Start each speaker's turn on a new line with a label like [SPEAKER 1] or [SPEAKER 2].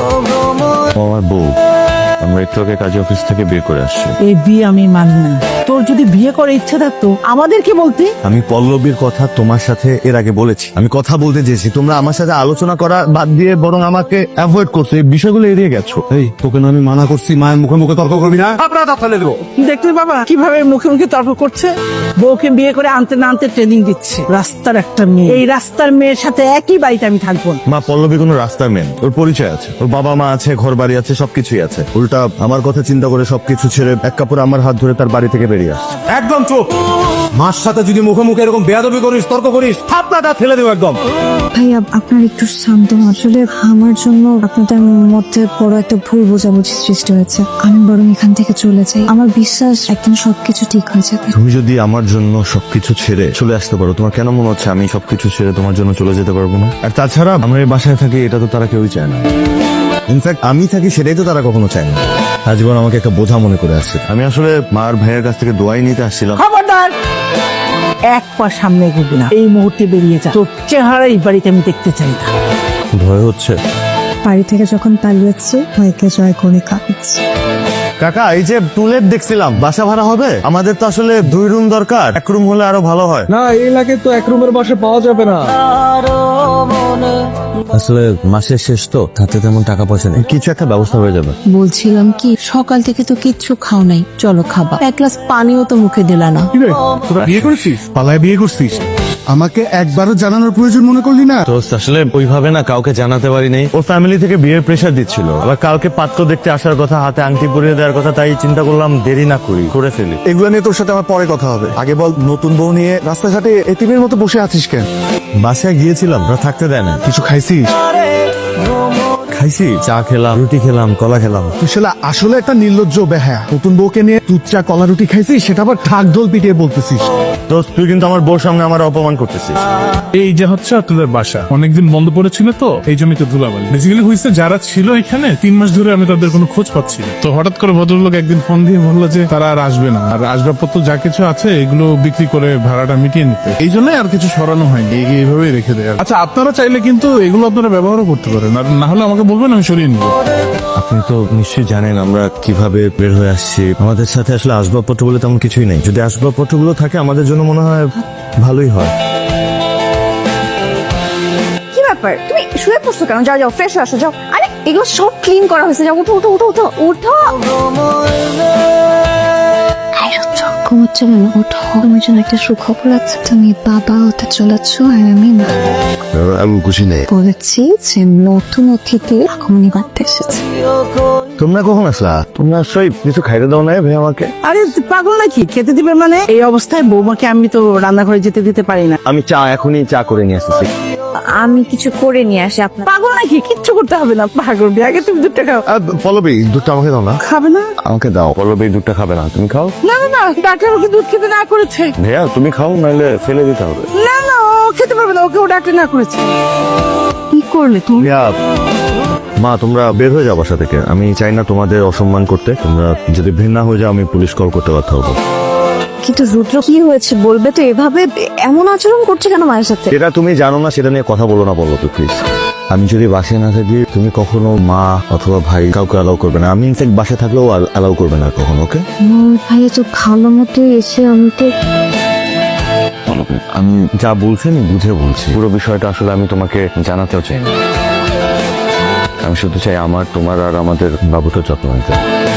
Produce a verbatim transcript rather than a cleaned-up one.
[SPEAKER 1] আমার বউ, আমরা একটু আগে কাজী অফিস থেকে বিয়ে করে আসছি।
[SPEAKER 2] এই বিয়ে আমি মানি না। তোর যদি বিয়ে করার ইচ্ছা থাকতো আমাদেরকে বলতে।
[SPEAKER 1] আমি পল্লবীর কথা তোমার সাথে এর আগে বলেছি, আমি কথা বলতে চেয়েছি, তোমরা আমার সাথে আলোচনা করা বাদ দিয়ে বরং আমাকে অ্যাভয়েড করছো, এই বিষয়গুলো এড়িয়ে গেছো। এই তোকে না আমি মানা করছি মায়ের মুখে মুখে তর্ক করবি না, আপনারা দাঁত ফেলে দেবো।
[SPEAKER 2] দেখলে বাবা কিভাবে মুখে মুখে তর্ক করছে। বউকে বিয়ে করে আনতে না আনতে ট্রেনিং দিচ্ছে। রাস্তার একটা মেয়ে, এই রাস্তার মেয়ের সাথে একই বাড়িতে আমি থাকবো না।
[SPEAKER 1] মা, পল্লবী কোনো রাস্তার মেন, ওর পরিচয় আছে, ওর বাবা মা আছে, ঘর বাড়ি আছে, সবকিছুই আছে। উল্টা আমার কথা চিন্তা করে সবকিছু ছেড়ে এক কাপড় আমার হাত ধরে তার বাড়ি থেকে বেরিয়ে আসছে।
[SPEAKER 3] একদম চুপ। মার সাথে যদি মুখে মুখে এরকম বেয়াদবি করিস, তর্ক করিস, থাপড়া দাঁত ফেলে দেবো একদম।
[SPEAKER 4] ভাইয়া আপনার একটু শান্ত হন। আসলে আমার জন্য আপনাদের মধ্যে বড় একটা ভুল বোঝাবুঝি সৃষ্টি হয়েছে। আমি বরং এখান থেকে চলে যাই। আমার বিশ্বাস একদিন সবকিছু ঠিক হয়ে যাবে।
[SPEAKER 1] তুমি যদি আমার জন্য সবকিছু ছেড়ে চলে আসতে পারো, তোমার কেন মনে হচ্ছে আমি সবকিছু ছেড়ে তোমার জন্য চলে যেতে পারবো না? আর তাছাড়া আমরা এই বাসায় থাকি, এটা তো তারা কেউই চায় না। ইনফ্যাক্ট আমি থাকি সেটাই তো তারা কখনো চায় না। আজীবন আমাকে একটা বোঝা মনে করে আসছে। আমি আসলে মার ভাইয়ের কাছ থেকে দোয়াই নিতে আসছিলাম।
[SPEAKER 2] খবরদার, এক পা সামনে এগোবি না। এই মুহূর্তে বেরিয়ে যা। তোর চেহারা এই বাড়িতে আমি দেখতে চাই না।
[SPEAKER 1] ভয় হচ্ছে।
[SPEAKER 4] বাড়ি থেকে যখন পালিয়েছি ভাইকে জয় করে কাঁদছি।
[SPEAKER 1] কাকা, এই যে টুলেট দেখছিলাম, বাসা ভাড়া হবে? আমাদের তো আসলে দুই রুম দরকার, এক রুম হলে আরো ভালো হয়।
[SPEAKER 3] না, এই এলাকায় তো এক রুমের বাসা পাওয়া যাবে না।
[SPEAKER 1] আসলে মাসের শেষ তো, হাতে তেমন টাকা পয়সা নেই, কিছু একটা ব্যবস্থা হয়ে যাবে।
[SPEAKER 4] বলছিলাম কি, সকাল থেকে তো কিচ্ছু খাও নাই, চলো খাবা। এক গ্লাস পানিও তো মুখে দিলা না।
[SPEAKER 3] তোরা বিয়ে করছিস? পালায় বিয়ে করছিস?
[SPEAKER 5] আমাকে একবারও জানানোর প্রয়োজন মনে করলি না?
[SPEAKER 1] তো আসলে ওইভাবে না কাউকে জানাতে পারি নাই। ওর ফ্যামিলি থেকে বিয়ের প্রেশার দিচ্ছিল, আবার কালকে পাত্র দেখতে আসার কথা, হাতে আংটি পরিয়ে দেওয়ার কথা, তাই চিন্তা করলাম দেরি না করি, করে ফেলি।
[SPEAKER 5] এগুলো নিয়ে তোর সাথে আমার পরে কথা হবে। আগে বল, নতুন বউ নিয়ে রাস্তাঘাটে এতিমের মতো বসে আছিস কেন?
[SPEAKER 1] বাসায় গিয়েছিলাম, ওরা থাকতে দেয় না।
[SPEAKER 5] কিছু খাইছিস?
[SPEAKER 1] খাইছি, চা খেলাম, রুটি খেলাম, কলা খেলাম।
[SPEAKER 5] তুই শালা আসলে একটা নির্লজ্জ বেহায়া। নতুন বউকে নিয়ে দুধ চা কলা রুটি খাইছিস, সেটা আবার ঢাক ঢোল পিটিয়ে বলতেছিস।
[SPEAKER 1] তো তুই কিন্তু আমার বউর সামনে আমার অপমান করতেছিস।
[SPEAKER 6] এই যে হচ্ছে আপনাদের বাসা অনেকদিন বন্ধ পড়েছিল, তো এই জন্যই তো ধুলাবালি। বেসিক্যালি হয়েছে, যারা ছিল এখানে তিন মাস ধরে আমি তাদের কোনো খোঁজ পাচ্ছি না। তো হঠাৎ করে ভদ্রলোক একদিন ফোন দিয়ে বললো যে তারা আর আসবে না, আর আসবাবপত্র যা কিছু আছে এগুলো বিক্রি করে ভাড়াটা মিটিয়ে নিতে। এই জন্য আর কিছু সরানো হয়নি, এই- এইভাবেই রেখে দেয়। আচ্ছা, আপনারা চাইলে কিন্তু এগুলো আপনারা ব্যবহারও করতে পারেন, আর না হলে আমাকে বলবেন, আমি সরিয়ে নিব।
[SPEAKER 1] আপনি তো নিশ্চয়ই জানেন আমরা কিভাবে বের হয়ে আসছি। আমাদের সাথে আসলে আসবাবপত্র বলে তেমন কিছুই নেই। যদি আসবাবপত্রগুলো থাকে আমাদের জন্য মনে হয় ভালোই হয়।
[SPEAKER 7] কি ব্যাপার, তুমি শুয়ে পড়ছো কেন? যাও যাও, ফ্রেশ হয়ে আসো, যাও। আরে এগুলো সব ক্লিন করা হয়েছে, যাও, উঠো উঠো উঠো উঠো উঠো।
[SPEAKER 4] ঘুমোচ্ছ কেন? ওঠো, তোমার জন্য একটা সুখবর আছে। তুমি বাবা হতে চলেছ আর আমি মা।
[SPEAKER 1] আমি খুশি নেই।
[SPEAKER 4] বলেছি যে নতুন অতিথি আগমনী বাড়তে এসেছে।
[SPEAKER 1] তোমরা কখন আসলা? তোমরা আসলে কিছু খাইতে দাও না ভাই আমাকে?
[SPEAKER 2] আরে পাগল নাকি, খেতে দিবে মানে? এই অবস্থায় বৌমাকে আমি তো রান্নাঘরে যেতে দিতে পারি না।
[SPEAKER 1] আমি চা এখনই চা করে নিয়ে আসতেছি।
[SPEAKER 7] আমি কিছু করে নিয়ে আসি আপনার।
[SPEAKER 2] পাগল নাকি, কিচ্ছু করতে হবে না। পাগল বিয়ে, আগে তুমি দুধটা খাও।
[SPEAKER 1] আহ, পল্লবী, দুধটা আমাকে দাও না।
[SPEAKER 2] খাবে না?
[SPEAKER 1] আমাকে দাও। পল্লবী দুধটা খাবে না, তুমি খাও।
[SPEAKER 2] না না না, ডাক্তার ওকে দুধ খেতে না করেছে।
[SPEAKER 1] ভাইয়া তুমি খাও, নাহলে ফেলে দিতে হবে।
[SPEAKER 2] না না, ও খেতে পারবে না, ওকে ও ডাক্তার না করেছে। কি করলে তুমি?
[SPEAKER 1] ভাইয়া, মা তোমরা বের হয়ে যাও বাসা থেকে। আমি চাই না তোমাদের অসম্মান করতে। তোমরা যদি ঘৃণা হয়ে যাও, আমি পুলিশ কল করতে বাধ্য হবো।
[SPEAKER 7] কিন্তু রুদ্র, কি হয়েছে বলবে তো? এভাবে এমন আচরণ করছে কেন মায়ের সাথে?
[SPEAKER 1] যেটা তুমি জানো না সেটা নিয়ে কথা বলো না, বলো তো প্লিজ। আমি যদি বাসায় না থাকি, তুমি কখনো মা অথবা ভাই কাউকে অ্যালাউ করবে না। আমি ইনফ্যাক্ট বাসায় থাকলেও অ্যালাউ করবে না কখনো, ওকে?
[SPEAKER 4] ভাইয়া তো ভালো মতো এসে আমাকে।
[SPEAKER 1] আমি যা বলছি আমি বুঝে বলছি। পুরো বিষয়টা আসলে আমি তোমাকে জানাতেও চাই না। আমি শুধু চাই আমার, তোমার আর আমাদের বাবুটার যত্ন নিতে।